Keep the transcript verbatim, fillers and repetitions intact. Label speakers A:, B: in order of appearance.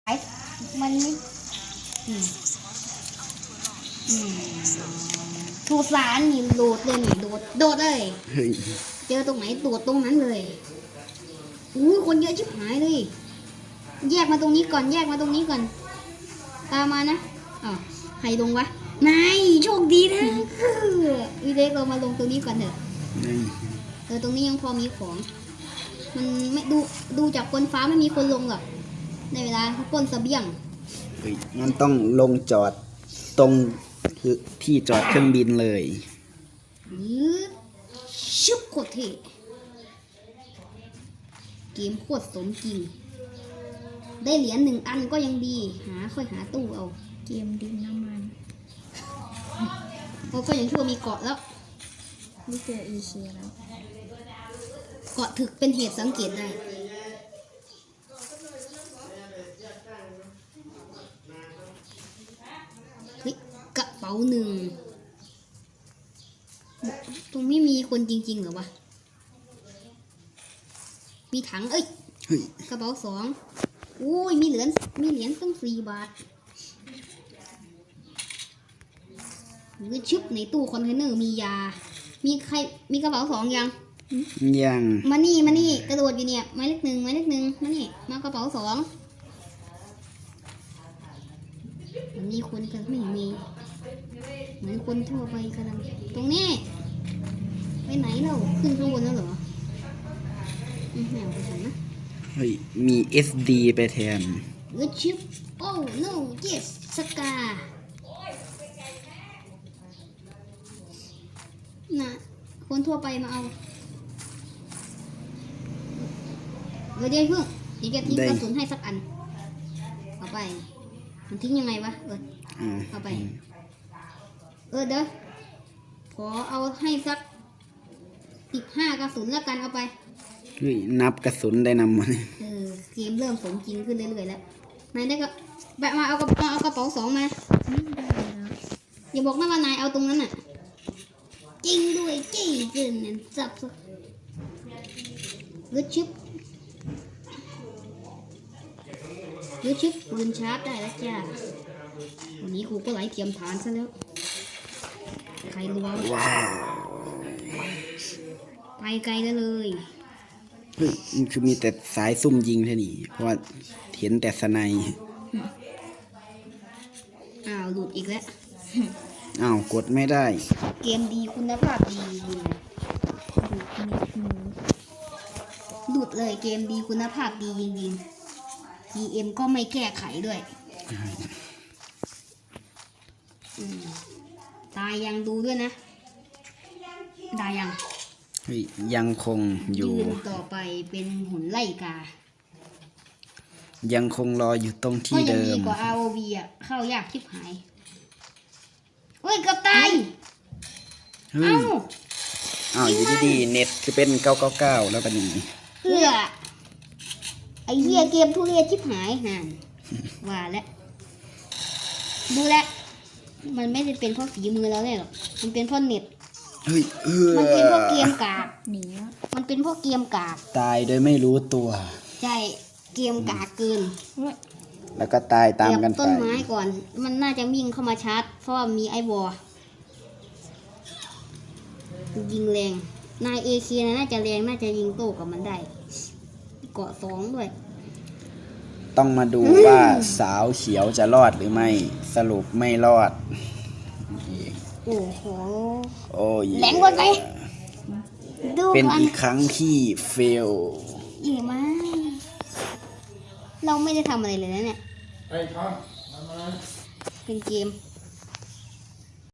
A: ไอ้มันไม่อืมอืมถูกสารนี่โดดเลยนี่โดดโดดเลย
B: เฮ้ย
A: เจอตรงไหนโดดตรงนั้นเลยอู้คนเยอะชิบหายเลย แยกมาตรงนี้ก่อนแยกมาตรงนี้ก่อน ตามมานะอ๋อใครลงวะนายโชคดีนะอีเล็กเรามาลงตรงนี้ก่อนเถอะ
B: นี่
A: เออตรงนี้ยังพอมีของ มันไม่ดูดูจากบนฟ้าไม่มีคนลงหรอกในเวลาเขาปล้นเสบียง
B: เฮ้ยมันต้องลงจอดตรงที่จอดเครื่องบินเลย
A: ยืดชุบโคตรเท่เกมโคตรสมจริง ได้เหรียญหนึ่งอันก็ยังดี หาค่อยหาตู้เอา
C: เกมดินน้ำมัน
A: โอ้ก็ยังชั่วมีเกาะแล้ว
C: ไม่เจออีเชียแล้ว
A: เกาะถึกเป็นเหตุสังเกตได้เฮ้ยกระเป๋าหนึ่งตรงนี้มีคนจริงๆเหรอวะ มีถังเอ้ย
B: เฮ้ย
A: กระเป๋าสองอุ้ยมีเหรียญมีเหรียญตั้งสี่บาทหรือชึบในตู้คอนเทนเนอร์มียา มีใครมีกระเป๋าสองยัง
B: ยัง
A: มานี่มานี่กระโดดอยู่เนี่ยหมายเลขหนึ่งหมายเลขหนึ่งมานี่มากระเป๋าสองมันมีคนกันไม่มีเหมือนคนทั่วไปกำลังตรงนี้ไปไหนเราขึ้นข้างบนแล้วเหรออืมแมวไปทางนะ
B: เฮ้ยมี เอส ดี ไปแทน
A: เออชิปโอ้ no yes สกาน่ะคนทั่วไปมาเอาเดี๋ยวเดี๋ยวเพิ่งเดี๋ยวจะทิ้ง
B: ได้
A: กระสุนให้สักอันเอาไปมันทิ้งยังไงวะเออ
B: อ่า
A: เอาไป เออเดี๋ยวขอเอาให้สักสิบห้ากระสุนแล้วกันเอาไป
B: เฮ้ยนับกระสุนได้นำมาเนี่ย
A: เออเกมเริ่มสมจริงขึ้นเรื่อยๆแล้วนายได้ก็แบบมาเอากระมาเอากระเป๋าสองมา
C: ไม่ได้แล้ว
A: อย่าบอกนะว่านายเอาตรงนั้นน่ะจริงด้วยจี้เกินเนี่ยจับสักลึกชิปลึกชิปปืนชาร์จได้แล้วจ้าวันนี้ครูก็ไหลเทียมฐานซะแล้วใครรู้ว่า
B: ว้าว
A: ไปไกลแล้วเลย
B: เฮ้ยมันคือมีแต่สายซุ่มยิงแค่นี้เพราะว่าเห็นแต่สไนป์
A: อ้าวหลุดอีกแล้ว
B: อ้าวกดไม่ได้
A: เกมดีคุณภาพดีเลย
C: ดูนิดนึง
A: หลุดเลยเกมดีคุณภาพดีจริงๆ ที เอ็ม ก็ไม่แก้ไขด้วยอืมตายยังดูด้วยนะตายยัง
B: เฮ้ยยังคงอยู่
A: ยืนต่อไปเป็นหุ่นไล่กา
B: ยังคงรออยู่ตรง
A: ก็
B: ที่
A: ยัง
B: เดิ
A: ดี
B: ม
A: กว่า อาร์ โอ วี อ่ะ เข้ายากชิบหายเฮ้ยเกับตาย
B: เฮ้ย
A: เอ้า
B: อ้าวอยู่ดีๆเน็ตคือเป็นเก้าเก้าเก้าแล้วก็นี่
A: เพื่อไอ้เหี้ยเกมทุเรศชิบหายห่านว่าแล้วดูแลวมันไม่ได้เป็นเพราะฝีมือเราเลยหรอกมันเป็นเพราะเน็ต
B: เฮ้ยเออ
A: มันเป็นเพราะเกมกาก
C: หนีแล้ว
A: มันเป็นเพราะเกมกาก
B: ตายโดยไม่รู้ตัว
A: ใช่เกมกากเกิน
B: แล้วก็ตายตามกัน
A: เหยียบต้
B: ไป
A: นไม้ก่อน มันน่าจะวิ่งเข้ามาชาร์จ เพราะว่ามีไอวอลยิงแรง นายเอเคียน่าจะแรง น่าจะยิงโต้กับมันได้ เกาะสองด้วย
B: ต้องมาดูว่าสาวเขียวจะรอดหรือไม่ สรุปไม่รอด
A: โอ้โห
B: โอ้ย
A: แรงกว่าไปดู
B: เป็น
A: กัน
B: อีกครั้งที่เฟล
A: เย่มาก เราไม่ได้ทำอะไรเลยนะเนี่ย เป็นเกม